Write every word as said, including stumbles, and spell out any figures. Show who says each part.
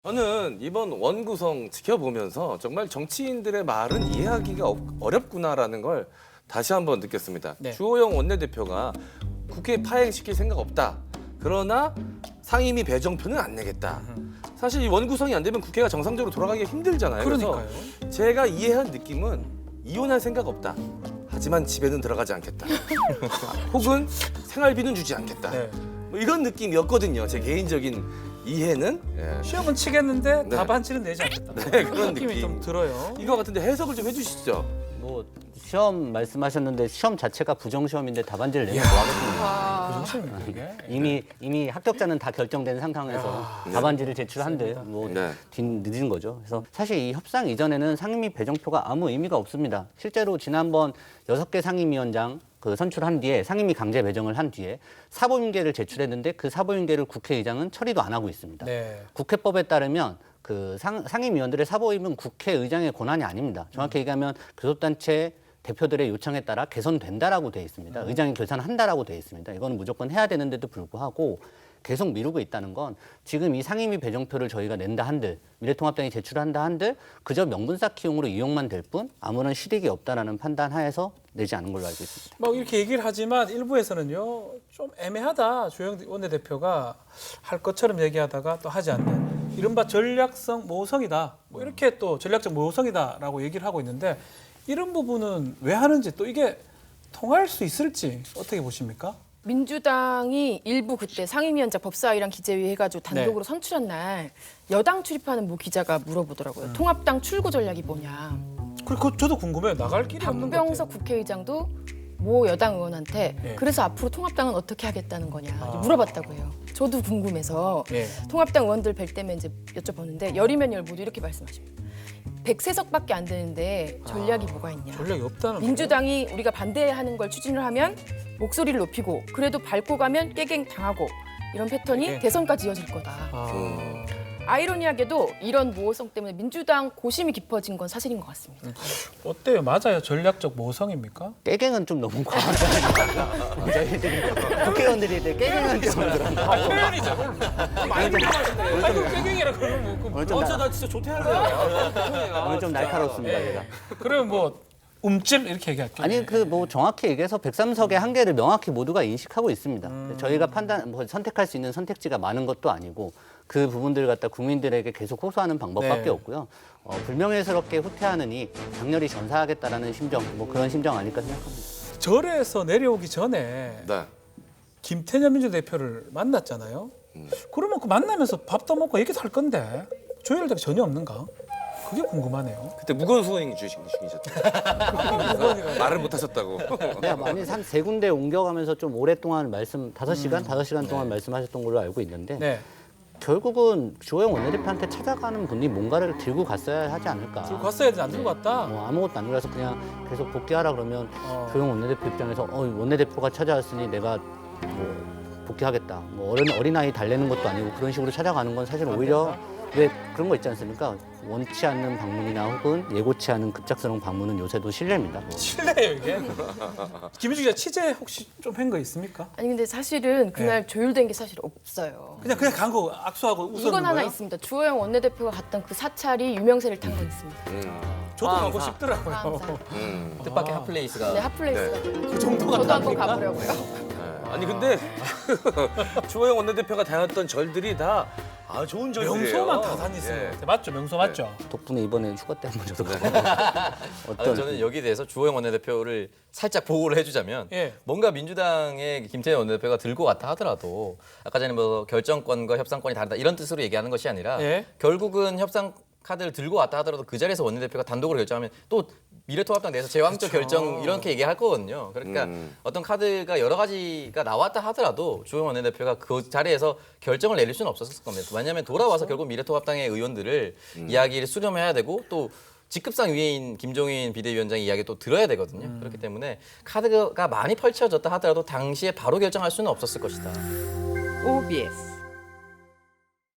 Speaker 1: 저는 이번 원구성 지켜보면서 정말 정치인들의 말은 이해하기가 어- 어렵구나라는 걸 다시 한번 느꼈습니다.
Speaker 2: 네.
Speaker 1: 주호영 원내대표가 국회 파행시킬 생각 없다. 그러나 상임위 배정표는 안 내겠다. 사실 이 원구성이 안 되면 국회가 정상적으로 돌아가기가 힘들잖아요.
Speaker 2: 그러니까요.
Speaker 1: 그래서 제가 이해한 느낌은 이혼할 생각 없다. 하지만 집에는 들어가지 않겠다. 혹은 생활비는 주지 않겠다.
Speaker 2: 네.
Speaker 1: 뭐 이런 느낌이었거든요. 제 개인적인 이해는. 예.
Speaker 2: 시험은 치겠는데
Speaker 1: 네.
Speaker 2: 답안지는 내지 않겠다.
Speaker 1: 네, 그런
Speaker 2: 느낌이
Speaker 1: 느낌.
Speaker 2: 좀 들어요.
Speaker 1: 이거 같은데 해석을 좀 해주시죠.
Speaker 3: 뭐 시험 말씀하셨는데 시험 자체가 부정 시험인데 답안지를 내면 뭐 하겠습니까?
Speaker 2: 부정시험입니다 이게.
Speaker 3: 이미 이미 합격자는 다 결정된 상황에서 답안지를 제출한들 뭐
Speaker 1: 네.
Speaker 3: 뒤 늦은 거죠. 그래서 사실 이 협상 이전에는 상임위 배정표가 아무 의미가 없습니다. 실제로 지난번 여섯 개 상임위원장 그 선출한 뒤에 상임위 강제 배정을 한 뒤에 사보임계를 제출했는데 그 사보임계를 국회의장은 처리도 안 하고 있습니다.
Speaker 2: 네.
Speaker 3: 국회법에 따르면 그 상, 상임위원들의 사보임은 국회의장의 권한이 아닙니다. 정확히 얘기하면 교섭단체 대표들의 요청에 따라 개선된다라고 되어 있습니다. 의장이 결산한다라고 되어 있습니다. 이거는 무조건 해야 되는데도 불구하고 계속 미루고 있다는 건 지금 이 상임위 배정표를 저희가 낸다 한들 미래통합당이 제출한다 한들 그저 명분 쌓기용으로 이용만 될 뿐 아무런 실익이 없다라는 판단 하에서 내지 않은 걸로 알고 있습니다.
Speaker 2: 뭐 이렇게 얘기를 하지만 일부에서는요 좀 애매하다. 주호영 원내대표가 할 것처럼 얘기하다가 또 하지 않는 이른바 전략성 모호성이다. 뭐 이렇게 또 전략적 모호성이다라고 얘기를 하고 있는데 이런 부분은 왜 하는지 또 이게 통할 수 있을지 어떻게 보십니까?
Speaker 4: 민주당이 일부 그때 상임위원장 법사위랑 기재위 해가지고 단독으로
Speaker 2: 네.
Speaker 4: 선출한 날 여당 출입하는 모 기자가 물어보더라고요.
Speaker 2: 음.
Speaker 4: 통합당 출구 전략이 뭐냐.
Speaker 2: 그리고 저도 궁금해요. 나갈 길이 없는 것
Speaker 4: 박병석
Speaker 2: 같아요.
Speaker 4: 국회의장도 모 여당 의원한테
Speaker 2: 네.
Speaker 4: 그래서 앞으로 통합당은 어떻게 하겠다는 거냐
Speaker 2: 아.
Speaker 4: 물어봤다고 해요. 저도 궁금해서
Speaker 2: 네.
Speaker 4: 통합당 의원들 뵐 때면 이제 여쭤보는데 열이면 열 모두 이렇게 말씀하십니다. 백세 석밖에 안 되는데 전략이
Speaker 2: 아,
Speaker 4: 뭐가 있냐.
Speaker 2: 전략이 없다는
Speaker 4: 민주당이 우리가 반대하는 걸 추진을 하면 목소리를 높이고 그래도 밟고 가면 깨갱 당하고 이런 패턴이
Speaker 2: 깨갱.
Speaker 4: 대선까지 이어질 거다.
Speaker 2: 아,
Speaker 4: 아이러니하게도 이런 모호성 때문에 민주당 고심이 깊어진 건 사실인 것 같습니다.
Speaker 2: 어때요? 맞아요? 전략적 모호성입니까?
Speaker 3: 깨갱은 좀 너무 과하다. 저희들이 국회의원들이 깨갱은 좀 그런가.
Speaker 2: 표현이죠. 많이 불편하시네. 아이고 깨갱이라 그러면 뭐
Speaker 3: 오늘 좀,
Speaker 1: 어, 저
Speaker 3: 나,
Speaker 1: 나 진짜 좋대할래요.
Speaker 3: 오늘 좀 날카롭습니다.
Speaker 1: 네.
Speaker 3: 제가.
Speaker 2: 그러면 뭐 움찔 이렇게 얘기할게요.
Speaker 3: 아니 그 뭐 정확히 얘기해서 백삼 석의 한계를 명확히 모두가 인식하고 있습니다.
Speaker 2: 음.
Speaker 3: 저희가 판단 뭐 선택할 수 있는 선택지가 많은 것도 아니고 그 부분들을 갖다 국민들에게 계속 호소하는 방법밖에
Speaker 2: 네.
Speaker 3: 없고요. 어, 불명예스럽게 후퇴하느니 장렬히 전사하겠다라는 심정, 뭐 그런 심정 아닐까 생각합니다.
Speaker 2: 절에서 내려오기 전에
Speaker 1: 네.
Speaker 2: 김태년 민주대표를 만났잖아요. 그러면 그 만나면서 밥도 먹고 얘기도 할 건데 조율대가 전혀 없는가? 그게 궁금하네요.
Speaker 1: 그때 무거운 수행 주신 중이셨죠. 말을 못 하셨다고.
Speaker 3: 네, 많이 한 세 군데 옮겨가면서 좀 오랫동안 말씀 다섯 시간, 다섯 시간 동안 말씀하셨던 걸로 알고 있는데
Speaker 2: 네.
Speaker 3: 결국은 주호영 원내대표한테 찾아가는 분이 뭔가를 들고 갔어야 하지 않을까.
Speaker 2: 들고 갔어야 되지 안 들고 갔다.
Speaker 3: 뭐 아무것도 안 들어서 그냥 계속 복귀하라 그러면
Speaker 2: 어.
Speaker 3: 조영 원내대표 입장에서 어, 원내대표가 찾아왔으니 내가 뭐 복귀하겠다. 뭐 어린 어린아이 달래는 것도 아니고 그런 식으로 찾아가는 건 사실 오히려 왜 그런 거 있지 않습니까? 원치 않는 방문이나 혹은 예고치 않은 급작스러운 방문은 요새도 실례입니다. 뭐.
Speaker 2: 실례예요 이게. 김희주 기자 취재 혹시 좀 한 거 있습니까?
Speaker 4: 아니 근데 사실은 그날 조율된 게 사실 없어요.
Speaker 2: 그냥 그냥 간 거 악수하고 웃었는
Speaker 4: 이건 하나
Speaker 2: 거예요?
Speaker 4: 있습니다. 주호영 원내대표가 갔던 그 사찰이 유명세를 탄 건 있습니다.
Speaker 1: 음.
Speaker 2: 저도
Speaker 1: 아,
Speaker 2: 가고
Speaker 1: 아.
Speaker 2: 싶더라고요.
Speaker 4: 항상.
Speaker 1: 음.
Speaker 5: 뜻밖의 핫플레이스가
Speaker 4: 네, 핫플레이스가
Speaker 2: 그 정도가
Speaker 4: 저도 한번
Speaker 2: 다릅니까?
Speaker 4: 가보려고요.
Speaker 1: 네. 아니 근데 주호영 원내대표가 다녔던 절들이 다 아, 좋은 절들이에요.
Speaker 2: 명소만 다 다니시는
Speaker 1: 예.
Speaker 2: 것 같아요. 맞죠? 명소 맞죠?
Speaker 3: 덕분에 이번에 휴가 때 한번 저도 가고
Speaker 5: 아,
Speaker 3: 어떤
Speaker 5: 저는 여기에 대해서 주호영 원내대표를 살짝 보호를 해주자면
Speaker 2: 예.
Speaker 5: 뭔가 민주당의 김태년 원내대표가 들고 갔다 하더라도 아까 전에 뭐 결정권과 협상권이 다르다 이런 뜻으로 얘기하는 것이 아니라
Speaker 2: 예.
Speaker 5: 결국은 협상 카드를 들고 왔다 하더라도 그 자리에서 원내대표가 단독으로 결정하면 또 미래통합당 내에서 제왕적
Speaker 2: 그렇죠.
Speaker 5: 결정 이렇게 얘기할 거거든요. 그러니까
Speaker 1: 음.
Speaker 5: 어떤 카드가 여러 가지가 나왔다 하더라도 주호영 원내대표가 그 자리에서 결정을 내릴 수는 없었을 겁니다. 왜냐하면 돌아와서 결국 미래통합당의 의원들을 이야기를 수렴해야 되고 또 직급상 위에인 김종인 비대위원장의 이야기 또 들어야 되거든요. 그렇기 때문에 카드가 많이 펼쳐졌다 하더라도 당시에 바로 결정할 수는 없었을 것이다.
Speaker 6: 오비에스